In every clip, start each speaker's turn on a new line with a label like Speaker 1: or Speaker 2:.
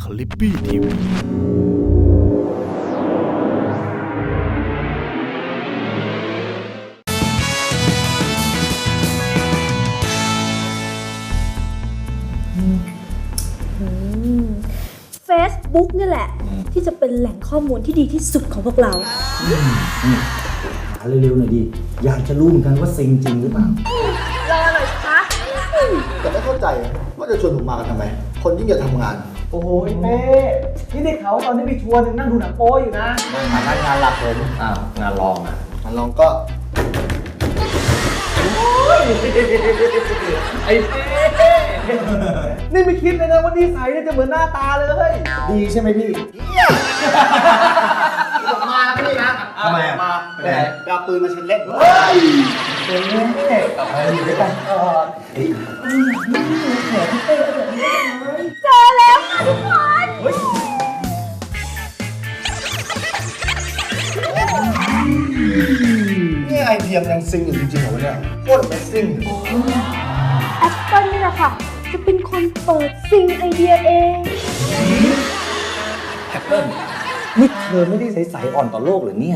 Speaker 1: คลิปปี้ทีวี
Speaker 2: Facebook นี่แหละที่จะเป็นแหล่งข้อมูลที่ดีที่สุดของพวกเรา
Speaker 3: หาเร็วๆหน่อยดิอยากจะรู้เหมือนกันว่าซิงจริงหรือเปล่าร
Speaker 2: อหน่อยสิคะ
Speaker 4: แต่ไม่เข้าใจว่าจะชวนผมมากันทำไม คนยิ่งจะทำงาน
Speaker 5: โอ้โหเป้นี่ได้ข่าวตอนนี้มีทัวร์นึงนั่งดูหนังโป๊อยู่นะ
Speaker 3: งานหลักผมงานรอง
Speaker 4: มันลองก็
Speaker 5: ไอ้เป้นี่ไม่คิดเลยนะว่านิสัยเนี่ยจะเหมือนหน้าตาเลย
Speaker 3: ดีใช่ไหมพี่
Speaker 4: ผมมาพี่นะ
Speaker 3: ทำไมอ่ะ
Speaker 4: มาไปไหนไปเอาปืนมาเช็ดเล่น
Speaker 5: เฮ้ยเป้กลับมาอยู่ด้วยกันก่อน
Speaker 2: เจอแล้วค่ะทุกคน
Speaker 4: นี่ไอเดียมยังซิงอยู่จริงๆเหรอวะเนี่ยโคตรไม่ซิง
Speaker 2: แอปเปิลนี่แหละค่ะจะเป็นคนเปิดซิงไอเดียเอง
Speaker 3: แอปเปิ้ลนี่เธอไม่ได้ใสๆอ่อนต่อโลกหรือเนี่ย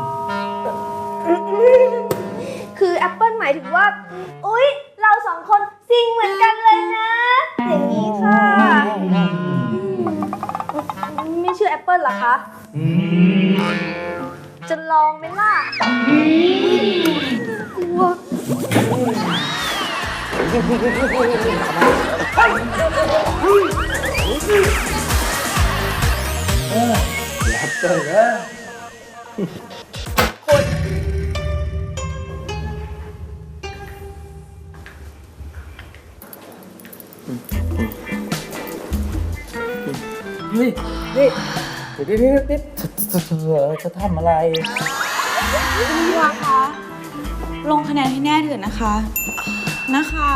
Speaker 2: คือแอปเปิลหมายถึงว่าอุ๊ยเราสองคนซิงเหมือนกันเลยนะ อย่างนี้ค่ะไม่เชื่อแอปเปิลเหรอคะจะลองไหมล่ะกลัว
Speaker 3: แอปเปิ้ลนี่เดี๋ยวจะทำอะไร
Speaker 6: พี่วาคะลงคะแนนให้แน่เถอะนะคะนะคะ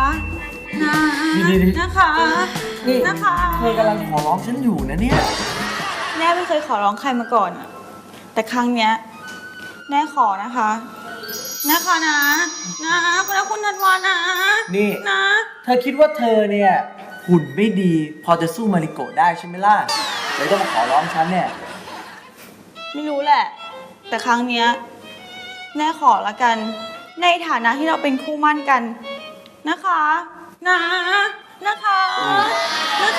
Speaker 6: นะคะ
Speaker 5: นี่
Speaker 6: นะคะ
Speaker 5: เธอกำลังขอร้องฉันอยู่นะเนี่ย
Speaker 6: แน่ไม่เคยขอร้องใครมาก่อนอะแต่ครั้งเนี้ยแน่ขอนะคะนะคะนะคุณธันวานะ
Speaker 5: นี่
Speaker 6: นะ
Speaker 5: เธอคิดว่าเธอเนี่ยหุ่นไม่ดีพอจะสู้มาริโกะได้ใช่ไหมล่ะเลยต้องมาขอร้องฉันเนี่ย
Speaker 6: ไม่รู้แหละ แต่ครั้งเนี้ยแน่ขอละกัน ในฐานะที่เราเป็นคู่มั่นกันนะคะนะคะนะ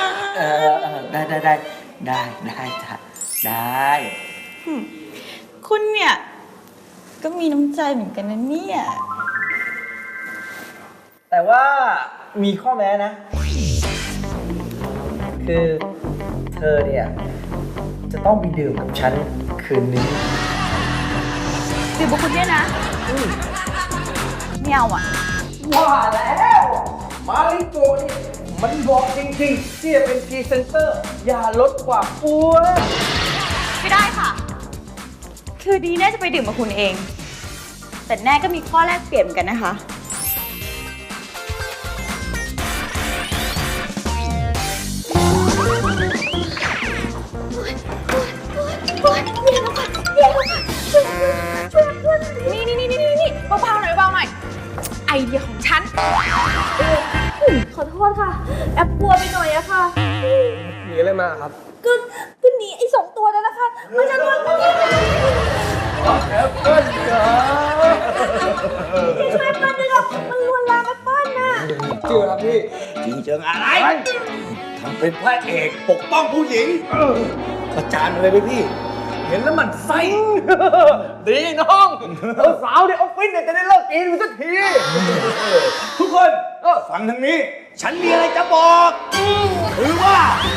Speaker 5: ได้จ้ะได้
Speaker 6: คุณเนี่ยก็มีน้ำใจเหมือนกันนะเนี่ย
Speaker 5: แต่ว่ามีข้อแม้นะ คือเธอเนี่ยจะต้องไปดื่มกับฉันคืนนี้
Speaker 6: ดื่มกับคุณเนี่ยนะไม่เอาอ่ะ
Speaker 5: ว่าแล้วมาริโกะนี่มันบอกจริงๆที่จะเป็นพรีเซนเตอร์อย่าลดความอ้วน
Speaker 6: ไม่ได้ค่ะ คือดีแน่จะไปดื่มกับคุณเอง แต่แน่ก็มีข้อแลกเปลี่ยนเหมือนกันนะคะ
Speaker 2: นี่เบาๆหน่อยไอเดียของฉันขอโทษค่ะแอปกลัวไปหน่อยอะค่ะ
Speaker 5: หนีอะไรมาครับ
Speaker 2: ก็หนีไอ้สองตัวนั้นนะคะมันจะลวนมัน
Speaker 5: แอปเปิ้ลจ้า
Speaker 2: จะช่วยแอปเปิ้ลด้วยหรอมันลวนลามแอปเปิ้ลน่ะ
Speaker 5: เชื่อครับพี่
Speaker 3: จริงเจิงอะไรทำเป็นพระเอกปกป้องผู้หญิงประจานมาเลยไหมพี่
Speaker 5: เห็นแล้วมันไส้ดีน้องสาวในออฟฟิศเนี่ยจะได้เลิกกินมันสักที ทุกคน
Speaker 3: ฟังทางนี้ ฉันมีอะไรจะบอกคือว่า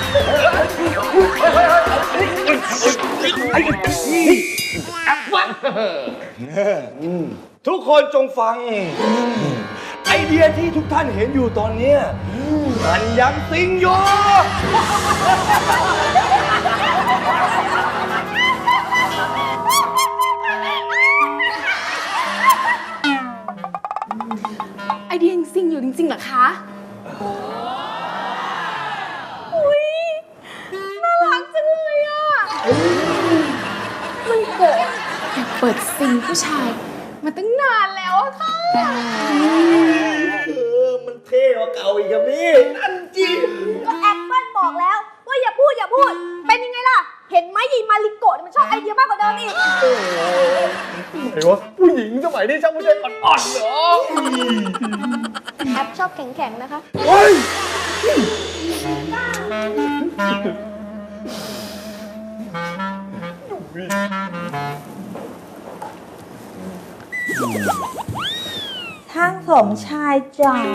Speaker 3: ทุกคนจงฟัง ไอเดียที่ทุกท่านเห็นอยู่ตอนนี้มันยังซิงอยู่
Speaker 2: ไอเดียยังซิงอยู่จริงๆเหรอคะอุ้ยน่ารักจังเลยอ่ะมันเกิดอยากเปิดซิงผู้ชายมาตั้งนานแล้วอะค่ะ
Speaker 3: มันเท่กว่าเก่าอีกครับพี่นั่นจริง
Speaker 2: ก็แอปเปิ้ลบอกแล้วว่าอย่าพูดเห็นไหมยีมาริโกะมันชอบไอเดียมากกว่าเดิมอีก
Speaker 5: ไอ้วะผู้หญิงสมัยนี้ช่างไม่ใช่อ่อนๆเหรอ
Speaker 2: แอปชอบแข็งๆนะคะ
Speaker 5: เฮ้ย
Speaker 6: ทางสมชายจ๋า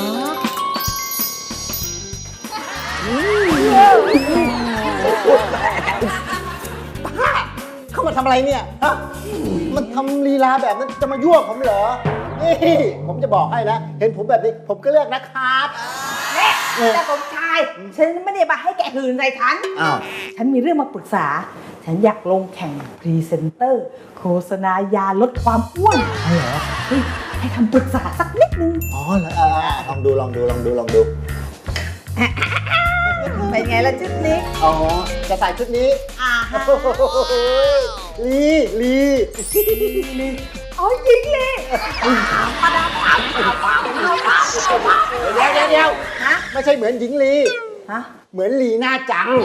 Speaker 4: เข้ามาทำอะไรเนี่ย ฮะ มันทำลีลาแบบนั้นจะมายั่วผมเหรอ นี่ ผมจะบอกให้นะ เห็นผมแบบนี้ ผมก็เลือกนะครับ
Speaker 1: แต่สมชาย ฉันไม่ได้มาให้แกหืนใส่ฉัน
Speaker 4: อ้าว
Speaker 1: ฉันมีเรื่องมาปรึกษา ฉันอยากลงแข่งพรีเซนเตอร์ โฆษณายาลดความอ้วนเหรอเฮ้ยให้คำปรึกษาสักนิดนึง
Speaker 4: อ๋อเหรอลองดู
Speaker 1: เป็นไงล่ะชุดนี้
Speaker 4: อ๋อ จะใส่ชุดนี้ โอ้โหลี
Speaker 1: อ๋อยิงเลย
Speaker 4: เดี๋ยวไม่ใช่เหมือนหญิงลี
Speaker 1: ฮะ
Speaker 4: เหมือนลีน่าจัง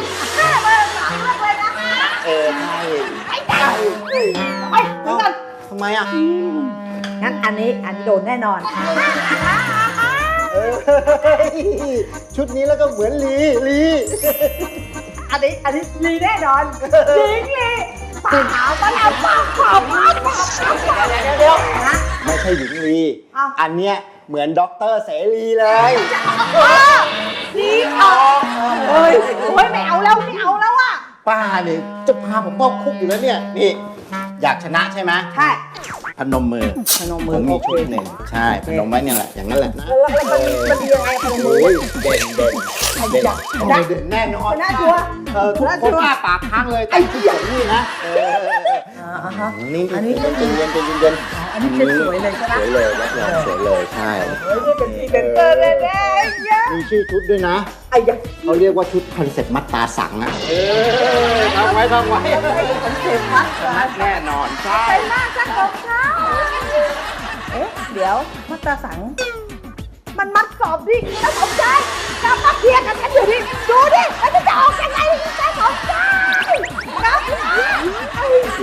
Speaker 4: ใช่
Speaker 1: ไปถึงกัน
Speaker 4: ทำไมอ่ะ
Speaker 1: งั้นอันนี้โดนแน่นอน
Speaker 4: เออชุดนี้แล้วก็เหมือนลี
Speaker 1: อันนี้ลีแน่นอนยิงเลยป่าวป่าว
Speaker 4: เดี๋ยวไม่ใช่หญิงลี
Speaker 1: อ้าว
Speaker 4: อันเนี้ยเหมือนด็อกเตอร์เสรีเลย
Speaker 1: ลีออกเฮ้ยไม่เอาแล้วอ่ะ
Speaker 4: ป้าเนี่ยจะพาผมเข้าคุกอยู่แล้วเนี่ย นี่ อยากชนะใช่ไหม
Speaker 1: ใช่
Speaker 4: พนมมือ
Speaker 1: พนมมือ
Speaker 4: ผมมี
Speaker 1: โอเค
Speaker 4: ชุดหนึ่งใช่ พนมไว้เนี่ยแหละ อย่างนั้นแหละนะ
Speaker 1: แล้วมันดียังไงพนมมือ
Speaker 4: โอ้ยเด่นแน่นอน
Speaker 1: น่าชัวร์
Speaker 4: ทุกคนอ้าปากค้างเลยแต่ที่อย่างนี้นะ นี่
Speaker 1: อันนี้
Speaker 4: เย็น
Speaker 1: อันนี้เป็นสวยเลยใช่ไหม
Speaker 4: สวยเลยรับรองสวยเลยใช่
Speaker 1: เฮ้ยนี่เป็นพรีเซนเตอร์แน่ๆเนี่ย
Speaker 4: มีชื่อชุดด้วยนะ
Speaker 1: ไอ้ยักษ์
Speaker 4: เขาเรียกว่าชุดคอนเซ็ปต์มัดตาสังอะทำไว้
Speaker 1: มันเข็มมัด
Speaker 4: แน่นอนใช่
Speaker 1: ไปมากสักของเขาเดี๋ยวมัตตาสัง มันมัดสอบดิแล้วสมใจจะมาเคลียร์กันกันอยู่ดิดูดิแล้วจะออกยังไงจะสมใจครับไอ้สิ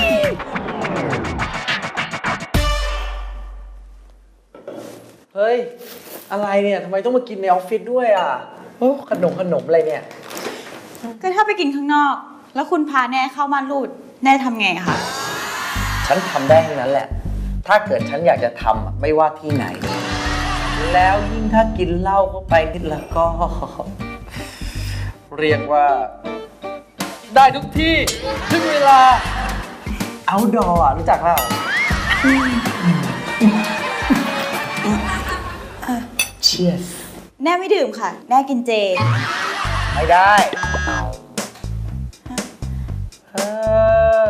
Speaker 5: เฮ้ย อะไรเนี่ยทำไมต้องมากินในออฟฟิศด้วยอ่ะโอ้ขนมอะไรเนี่ย
Speaker 6: ก็ถ้าไปกินข้างนอก แล้วคุณพาแน่เข้าม่านรูด แน่ทำไงอะคะ
Speaker 5: ฉันทำได้ทั้งนั้นแหละ ถ้าเกิดฉันอยากจะทำอะไม่ว่าที่ไหน แล้วยิ่งถ้ากินเหล้าเข้าไปนิดละก็ เรียกว่า ได้ทุกที่ทุกเวลา outdoor อ่ะรู้จักเปล่า Cheers
Speaker 6: แน่ไม่ดื่มค่ะ แน่กินเจ
Speaker 5: ไม่ได้เออ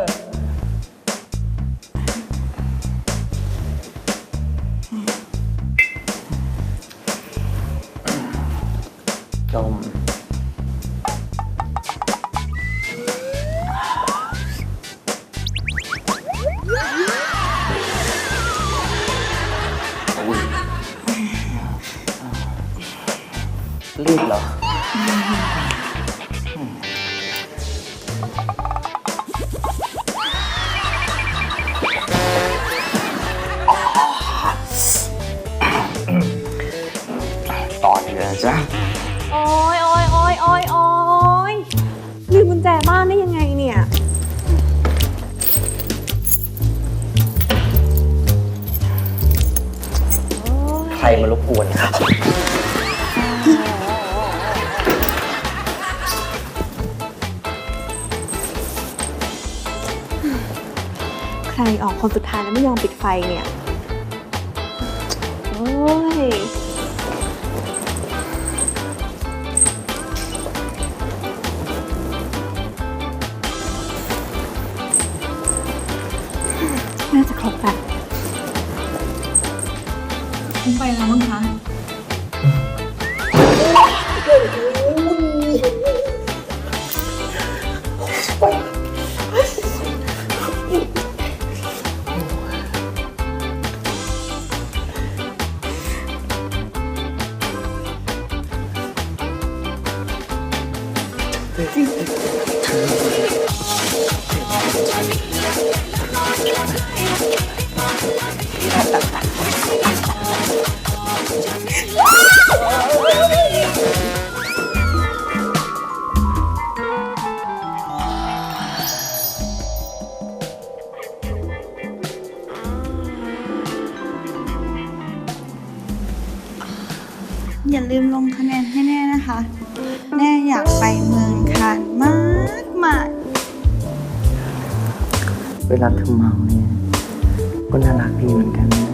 Speaker 5: จมรีบเหรอ ตอนนี้นะจ๊ะ
Speaker 2: โอ๊ยลืมกุญแจบ้านได้ยังไงเนี่ย
Speaker 5: ใครมารบกวนครับ
Speaker 2: ใครออกคนสุดท้ายแล้วไม่ยอมปิดไฟเนี่ย โอ้ย น่าจะครบแบบ
Speaker 6: ไปแล้วมั้งคะอย่าลืมลงคะแนนให้แน่นะคะ แน่อยากไปเมืองคานมากมาก
Speaker 5: เวลาเธอเมาเนี่ยก็น่ารักดีเหมือนกันนะ